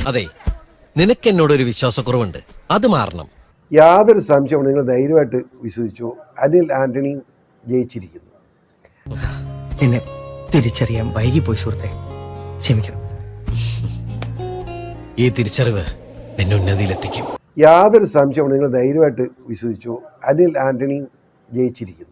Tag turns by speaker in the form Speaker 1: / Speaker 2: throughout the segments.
Speaker 1: അതെ, നിനക്ക് എന്നോടൊരു വിശ്വാസക്കുറവുണ്ട്, അത് മാറണം.
Speaker 2: യാതൊരു സംശയവും നിങ്ങൾ ധൈര്യമായിട്ട് വിശ്വസിച്ചു. അനിൽ ആന്റണി ജയിച്ചിരിക്കുന്നു.
Speaker 3: നിന്നെ തിരിച്ചറിയാൻ വൈകിപ്പോയി സുഹൃത്തെ, ക്ഷമിക്കണം.
Speaker 1: ഈ തിരിച്ചറിവ് എന്നെ ഉന്നതിയിലെത്തിക്കും.
Speaker 2: യാതൊരു സംശയവും നിങ്ങൾ ധൈര്യമായിട്ട് വിശ്വസിച്ചു. അനിൽ ആന്റണി ജയിച്ചിരിക്കുന്നു.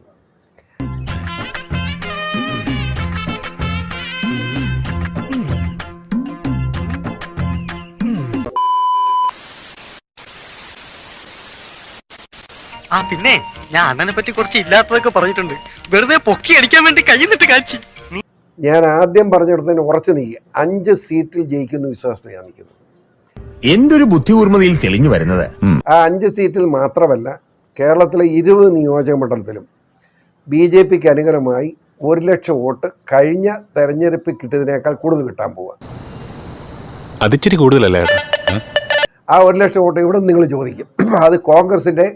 Speaker 4: പിന്നെ ഞാൻ അണ്ണനെ പറ്റി കുറച്ച് ഇല്ലാത്തതൊക്കെ പറഞ്ഞിട്ടുണ്ട്. വെറുതെ പൊക്കി അടിക്കാൻ വേണ്ടി കൈന്നിട്ട് കാച്ചി.
Speaker 2: ഞാൻ ആദ്യം പറഞ്ഞിടത്ത് ഉറച്ചു നീക്കി 5 സീറ്റിൽ ജയിക്കുന്ന വിശ്വാസത്തിൽ ഞാൻ നിൽക്കുന്നു.
Speaker 5: എന്റെ ഒരു ബുദ്ധിപൂർമ്മതയിൽ തെളിഞ്ഞു വരുന്നത്
Speaker 2: ആ 5 സീറ്റിൽ മാത്രമല്ല, കേരളത്തിലെ 20 നിയോജക മണ്ഡലത്തിലും BJPക്ക് അനുകൂലമായി 1 ലക്ഷം വോട്ട് കഴിഞ്ഞ തെരഞ്ഞെടുപ്പിൽ കിട്ടിയതിനേക്കാൾ കൂടുതൽ കിട്ടാൻ പോവുക.
Speaker 6: അതിച്ചിരി കൂടുതലല്ലേ?
Speaker 2: ആ 1 ലക്ഷം വോട്ട് ഇവിടെ നിങ്ങൾ ചോദിക്കും. അത് കോൺഗ്രസിൻ്റെ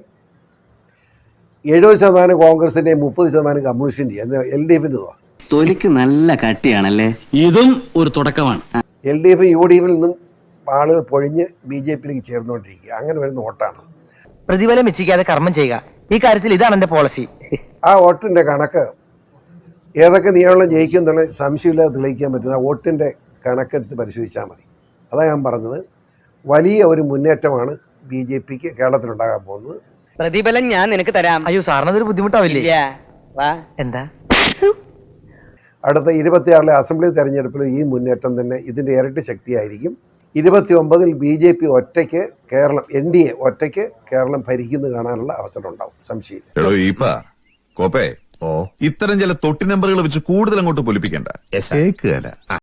Speaker 2: 70% കോൺഗ്രസിൻ്റെ 30% കമ്മ്യൂണിസ്റ്റിൻ്റെ LDFിൻ്റെ.
Speaker 7: തൊലിക്ക് നല്ല കട്ടിയാണല്ലേ.
Speaker 8: ഇതും ഒരു തുടക്കമാണ്.
Speaker 2: LDF UDFിൽ നിന്നും ആളുകൾ പൊഴിഞ്ഞ് BJPയിലേക്ക് ചേർന്നുകൊണ്ടിരിക്കുക. അങ്ങനെ വരുന്ന വോട്ടാണ്.
Speaker 3: പ്രതിഫലം ഇച്ഛിക്കാതെ കർമ്മം ചെയ്യുക, ഈ കാര്യത്തിൽ ഇതാണ് എന്റെ പോളിസി.
Speaker 2: ആ വോട്ടിൻ്റെ കണക്ക് ഏതൊക്കെ നിയമങ്ങൾ ജയിക്കും എന്നുള്ള സംശയമില്ലാതെ തെളിയിക്കാൻ പറ്റുന്ന ആ വോട്ടിൻ്റെ കണക്കനുസരിച്ച് പരിശോധിച്ചാൽ മതി. അതാണ് ഞാൻ പറഞ്ഞത്. വലിയ ഒരു മുന്നേറ്റമാണ് BJPക്ക് കേരളത്തിലുണ്ടാകാൻ പോകുന്നത്.
Speaker 3: പ്രതിഫലം ഞാൻ നിനക്ക് തരാം. അയ്യോ, സാറിനതൊരു ബുദ്ധിമുട്ടാവില്ലേ? എന്താ?
Speaker 2: അടുത്ത 26 അസംബ്ലി തെരഞ്ഞെടുപ്പിൽ ഈ മുന്നേറ്റം തന്നെ ഇതിൻ്റെ ഇരട്ടി ശക്തിയായിരിക്കും. 29 BJP ഒറ്റയ്ക്ക് കേരളം, NDA ഒറ്റയ്ക്ക് കേരളം ഭരിക്കുന്നത് കാണാനുള്ള അവസരം ഉണ്ടാവും, സംശയമില്ല.
Speaker 5: ഇത്തരം ചില തൊട്ടി നമ്പറുകൾ വെച്ച് കൂടുതൽ അങ്ങോട്ട് പൊലിപ്പിക്കണ്ട.